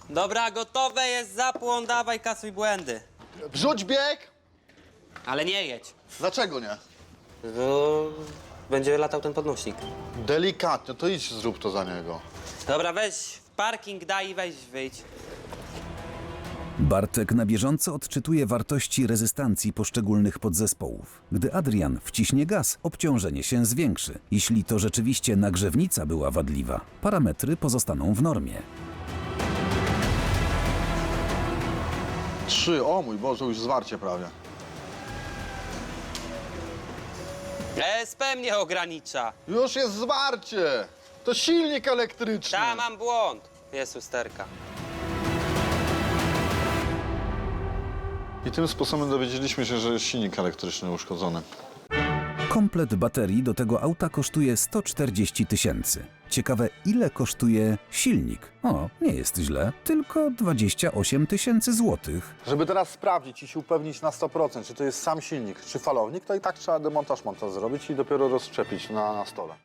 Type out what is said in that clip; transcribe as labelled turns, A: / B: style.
A: Dobra, gotowe jest zapłon, dawaj, kasuj błędy.
B: Wrzuć bieg!
A: Ale nie jedź.
B: Dlaczego nie?
A: No, będzie latał ten podnośnik.
B: Delikatnie, to idź zrób to za niego.
A: Dobra, weź w parking, daj i weź, wyjdź.
C: Bartek na bieżąco odczytuje wartości rezystancji poszczególnych podzespołów. Gdy Adrian wciśnie gaz, obciążenie się zwiększy. Jeśli to rzeczywiście nagrzewnica była wadliwa, parametry pozostaną w normie.
B: 3, o mój Boże, już zwarcie prawie.
A: ESP mnie ogranicza.
B: Już jest zwarcie! To silnik elektryczny.
A: Ta, mam błąd. Jest usterka.
B: I tym sposobem dowiedzieliśmy się, że jest silnik elektryczny uszkodzony.
C: Komplet baterii do tego auta kosztuje 140 000. Ciekawe, ile kosztuje silnik? O, nie jest źle, tylko 28 000 złotych.
B: Żeby teraz sprawdzić i się upewnić na 100%, czy to jest sam silnik, czy falownik, to i tak trzeba demontaż montaż zrobić i dopiero rozszczepić na stole.